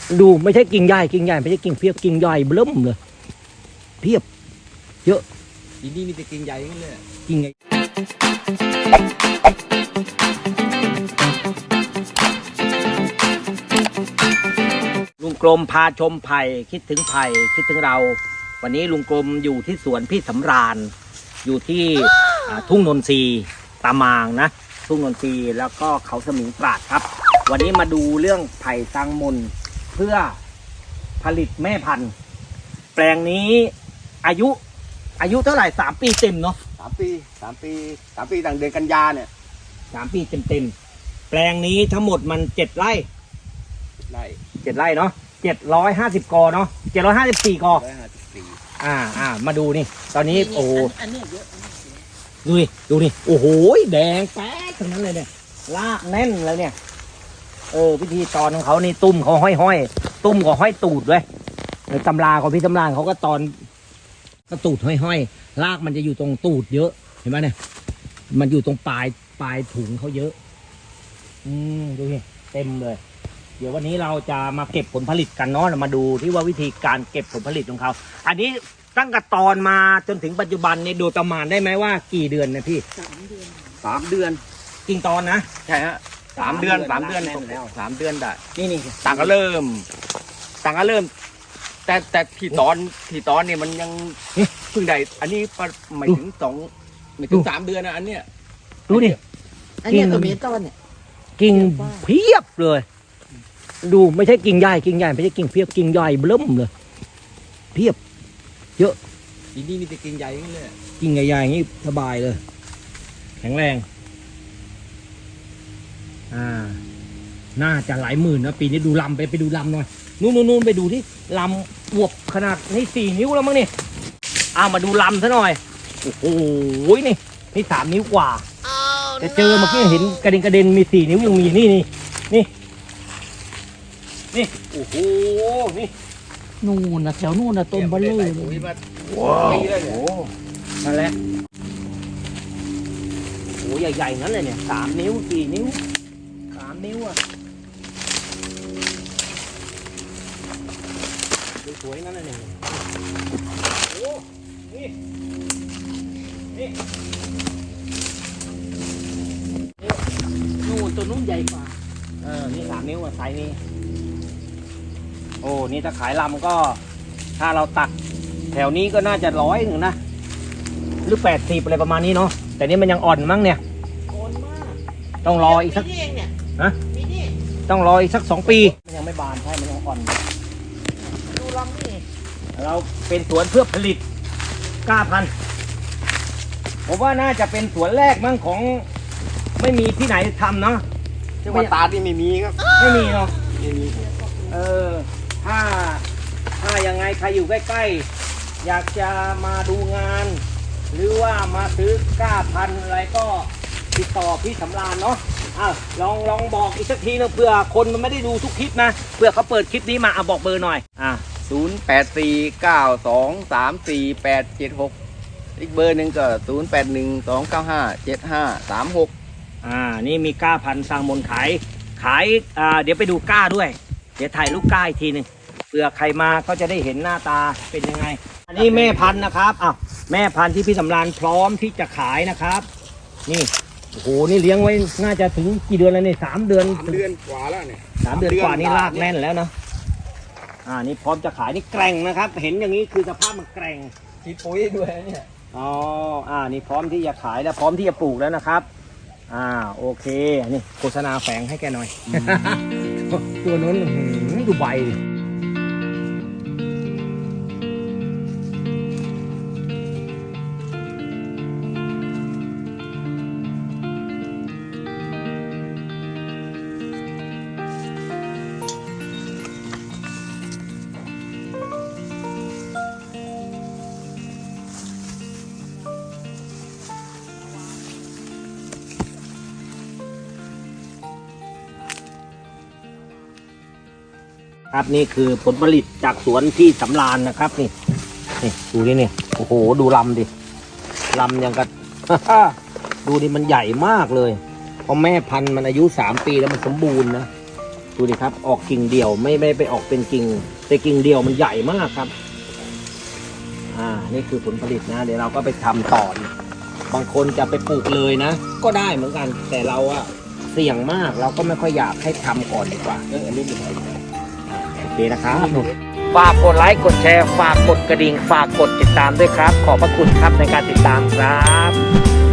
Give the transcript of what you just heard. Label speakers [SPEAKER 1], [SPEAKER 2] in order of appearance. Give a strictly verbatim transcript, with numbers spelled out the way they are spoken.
[SPEAKER 1] ดูไม่ใช่กิ่งใหญ่กิ่งใหญ่ไม่ใช่กิ่งเพียบกิ่งใหญ่เบิ่มเลยเพียบเยอะ
[SPEAKER 2] ทีนี้มีแต่กิ่งใหญ่กันเลย
[SPEAKER 1] กิ่งใหญ่ลุงกรมพาชมไผ่คิดถึงไผ่คิดถึงเราวันนี้ลุงกรมอยู่ที่สวนพี่สำราญอยู่ที่ ทุ่งนนทรีตามางนะทุ่งนนทรีแล้วก็เขาสมิงปราดครับวันนี้มาดูเรื่องไผ่ตังมนเพื่อผลิตแม่พันธุ์แปลงนี้อายุอายุเท่าไหร่สามปีเต็มเนาะ
[SPEAKER 2] สามปีสามปีสามปีต่างเดือนกันยาเนี่ย
[SPEAKER 1] สามปีเต็มเต็มแปลงนี้ทั้งหมดมันเจ็ดไร่
[SPEAKER 2] ไร่
[SPEAKER 1] เจ็ดไร่เนาะเจ็ดร้อยห้าสิบกอเนาะเจ็ดร้อยห้าสิบสี่กอ
[SPEAKER 2] ร้อยห้าสิบสี่
[SPEAKER 1] อ่าอ่ามาดูนี่ตอนนี้โอ้โห
[SPEAKER 3] อันนี้เยอะ
[SPEAKER 1] ดูนี่ดูนี่โอ้โหแดงแป๊ดทั้งนั้นเลยเนี่ยลากแน่นเลยเนี่ยเออพิธีตอนของเขานี่ตุ้มเขาห้อยห้อยตุ้มก็ห้อยตูดด้วยในตำราของพี่ตำราเขาก็ตอนก็ตูดห้อยห้อยลากมันจะอยู่ตรงตูดเยอะเห็นไหมเนี่ยมันอยู่ตรงปลายปลายถุงเขาเยอะอืมดูนี่เต็มเลยเดี๋ยววันนี้เราจะมาเก็บผลผลิตกันเนาะมาดูที่ว่าวิธีการเก็บผลผลิตของเขาอันนี้ตั้งแต่ตอนมาจนถึงปัจจุบันเนี่ยโดยประมาณได้ไหมว่ากี่เดือนนะพี่
[SPEAKER 3] สามเดือน
[SPEAKER 2] สามเดือน
[SPEAKER 1] จริงตอนนะ
[SPEAKER 2] ใช่ฮะสามเดือนสามเดือนแล้วสามเดือนได้
[SPEAKER 1] นี่นี่
[SPEAKER 2] ต่างก็เริ่มต่างก็เริ่มแต่แต่ที่ตอนที่ตอนเนี่ยมันยังเพิ่งได้อันนี้ไม่ถึงสองไม่ถึงสามเดือนนะอันเนี้ย
[SPEAKER 1] ดูดิ
[SPEAKER 3] อันนี้ตัวเมตอนเนี่ย
[SPEAKER 1] กิ่งเพียบเลยดูไม่ใช่กิ่งใหญ่กิ่งใหญ่ไม่ใช่กิ่งเพียบกิ่งใหญ่เบิ่มเลยเพียบเยอะ
[SPEAKER 2] ทีนี้มีแต่กิ่งใหญ่กันเลย
[SPEAKER 1] กิ่งใหญ่ๆอย่างนี้สบายเลยแข็งแรงอ่าน่าจะหลายหมื่นนะปีนี้ดูลำไปไปดูลำหน่อยนู่นนู่นไปดูที่ลำอวบขนาดนี่สี่นิ้วแล้วมั้งนี่อ้ามาดูลำซะหน่อยโอ้โหนี่นี่สามนิ้วกว่าจะเจอเมื่อกี้เห็นกระเด็นกระเด็นมีสี่นิ้วยังมีนี่นี่นี่นี่โอ้โหนี่
[SPEAKER 3] นู่นนะแถวนู่นนะต้นบะเล่เลย
[SPEAKER 1] ว้าวโอ้นั่นแหละโอ้ใหญ่ๆงั้นเลยเนี่ยสามนิ้วสี่นิ้วสามนิ้วอ่ะสวยๆงั้นเลยเนี่ยโอ้นี่นี่นู่นตัวนู้นใหญ่กว่าเออนี่สามนิ้วอ่ะไซส์นี้โอ้นี่ถ้าขายลำก็ถ้าเราตัดแถวนี้ก็น่าจะร้อยหนึ่งนะหรือแปดสิบอะไรประมาณนี้เนาะแต่นี่มันยังอ่อนมั้งเนี่ย
[SPEAKER 3] อ่อนมาก
[SPEAKER 1] ต้องรออีกสักฮะต้องรออีกสักสองปีมันยังไม่บานใช่มันยังอ่อน
[SPEAKER 3] ดูลำนี่
[SPEAKER 1] เราเป็นสวนเพื่อผลิตกล้าพันธุ์ผมว่าน่าจะเป็นสวนแรกมั้งของไม่มีที่ไหนทำเนาะ
[SPEAKER 2] จังหวัดตราดนี่ไม่มีครับ
[SPEAKER 1] ไม่มีเนาะ
[SPEAKER 2] ไม่มี
[SPEAKER 1] เออถ้าถ้ายังไงใครอยู่ใกล้ๆอยากจะมาดูงานหรือว่ามาซื้อกล้าพันธุ์อะไรก็ติดต่อพี่สำราญเนาะอ้าวลองลองบอกอีกสักทีนึงเพื่อคนมันไม่ได้ดูทุกคลิปนะเพื่อเขาเปิดคลิปนี้มาเอาบอกเบอร์หน่อยอ่า
[SPEAKER 2] ศูนย์แปดสี่เก้าสองสามสี่แปดเจ็ดหกอีกเบอร์หนึ่งก็ศูนย์แปดหนึ่งสองเก้าห้าเจ็ดห้าสามหก
[SPEAKER 1] อ่านี่มีกล้าพันธุ์สร้างมนขายขายอ่าเดี๋ยวไปดูกล้าด้วยเดี๋ยวถ่ายรูปกล้าอีกทีหนึ่งเผื่อใครมาก็จะได้เห็นหน้าตาเป็นยังไงอันนี้แม่พันธุ์นะครับอ้าวแม่พันธุ์ที่พี่สำราญพร้อมที่จะขายนะครับนี่โอ้โหนี่เลี้ยงไว้น่าจะถึงกี่เดือนแล้วเนี่ยสามเดือน
[SPEAKER 2] สามเดือนกว่าแล้วเนี่ย
[SPEAKER 1] สามเดือนกว่านี่ลากแน่นแล้วนะอ่านี่พร้อมจะขายนี่แกร่งนะครับเห็นอย่างนี้คือสภาพมันแกร่ง
[SPEAKER 2] มีปุ๋ยด้วยเนี่ย
[SPEAKER 1] อ๋ออ่านี่พร้อมที่จะขายแล้วพร้อมที่จะปลูกแล้วนะครับอ่าโอเคนี่โฆษณาแฝงให้แกหน่อยตัวนู้นดูใบครับนี่คือผลผลิตจากสวนที่สำราญนะครับนี่นี่ดูดิเนี่ยโอ้โหดูลำดิลำยังกับดูดิมันใหญ่มากเลยเพราะแม่พันธุ์มันอายุสามปีแล้วมันสมบูรณ์นะดูดิครับ ออกกิ่งเดี่ยวไม่ไม่ไปออกเป็นกิ่งแต่กิ่งเดี่ยวมันใหญ่มากครับอ่านี่คือผลผลิตนะเดี๋ยวเราก็ไปทำต่ออีกบางคนจะไปปลูกเลยนะก็ได้เหมือนกัน แต่เราอะเสี่ยงมากเราก็ไม่ค่อยอยากให้ทำก่อนดีกว่าเอออันนี้ดีกว่าโอเคนะครับฝากกดไลค์กดแชร์ฝากกดกระดิ่งฝากกดติดตามด้วยครับ ขอบพระคุณครับในการติดตามครับ